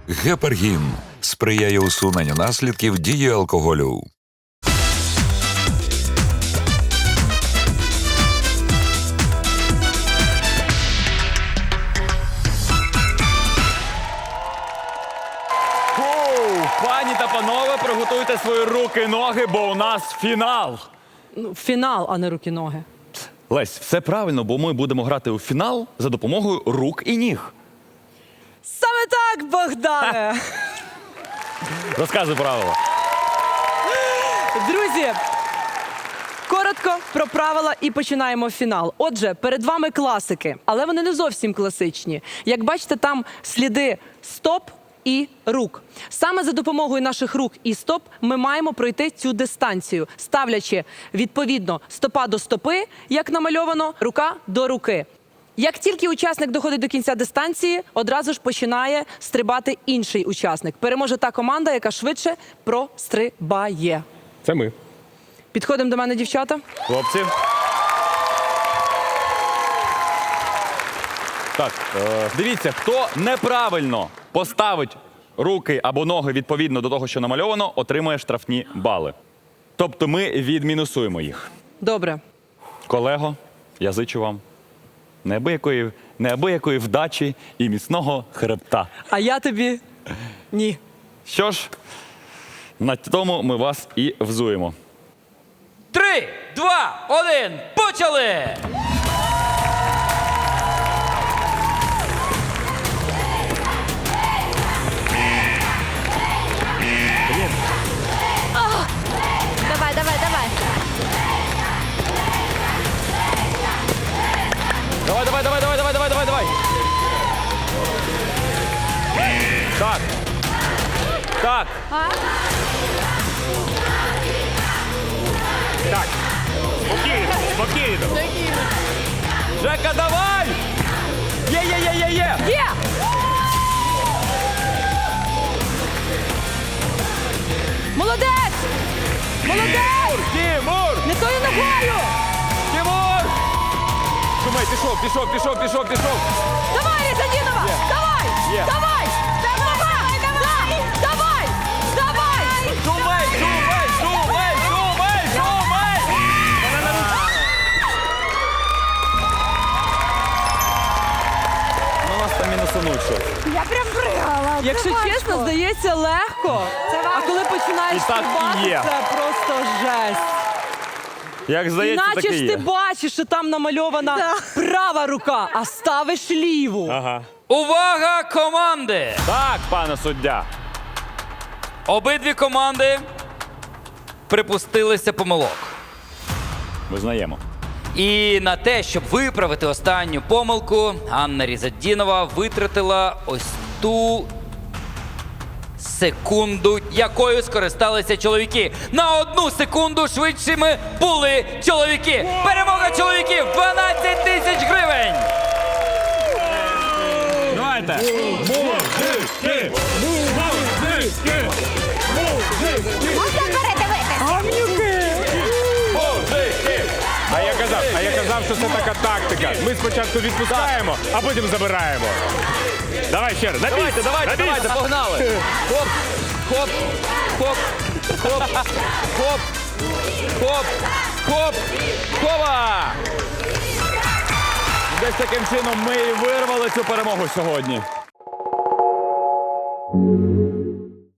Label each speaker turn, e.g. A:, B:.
A: Гепаргін сприяє усуненню наслідків дії алкоголю.
B: Пані та панове, приготуйте свої руки і ноги, бо у нас фінал.
C: Фінал, а не руки-ноги.
B: Лесь, все правильно, бо ми будемо грати у фінал за допомогою рук і ніг.
C: Саме так, Богдане!
B: Розказуй правила.
C: Друзі, коротко про правила і починаємо фінал. Отже, перед вами класики, але вони не зовсім класичні. Як бачите, там сліди стоп і рук. Саме за допомогою наших рук і стоп ми маємо пройти цю дистанцію, ставлячи, відповідно, стопа до стопи, як намальовано, рука до руки. Як тільки учасник доходить до кінця дистанції, одразу ж починає стрибати інший учасник. Переможе та команда, яка швидше прострибає.
D: Це ми.
C: Підходимо до мене, дівчата.
B: Хлопці. Так, дивіться, хто неправильно поставить руки або ноги відповідно до того, що намальовано, отримує штрафні бали. Тобто ми відмінусуємо їх.
C: Добре.
B: Колего, я зичу вам неабиякої вдачі і міцного хребта.
C: А я тобі ні.
B: Що ж, на тому ми вас і взуємо.
E: 3, 2, 1, почали!
F: Давай, давай, давай.
B: Давай. Так. Так.
D: Так. Спокійно.
B: Жека, давай! Є!
C: Є! Молодець! Молодець!
B: Тимур!
C: Не тою ногою!
B: Тимур! Шумей, пішов.
C: Давай, Різанінова! Давай!
B: Є.
C: Давай! Давай!
B: Шумей! Ну, нас там мінусануть щось.
F: Я прям пригала.
C: Якщо чесно, здається, легко. А коли починаєш
B: І так і
C: стрибати,
B: є.
C: це просто жесть.
B: Як здається,
C: Іначе
B: таке
C: ж ти
B: є.
C: бачиш, що там намальована права рука, а ставиш ліву.
D: Ага.
E: Увага, команди!
B: Так, пане суддя.
E: Обидві команди припустилися помилок.
B: Визнаємо.
E: І на те, щоб виправити останню помилку, Анна Різадінова витратила ось ту секунду, якою скористалися чоловіки. На 1 секунду швидшими були чоловіки. Перемога чоловіків – 12 тисяч гривень!
B: Давайте.
F: Можна передивитися?
D: А я казав, що це така тактика. Ми спочатку відпускаємо, а потім забираємо. Давай ще раз. На місць.
E: Давайте, погнали! Хоп, хоп, хоп, хоп, хоп, хоп, хоп, хова!
B: Десь таким чином ми і вирвали цю перемогу сьогодні.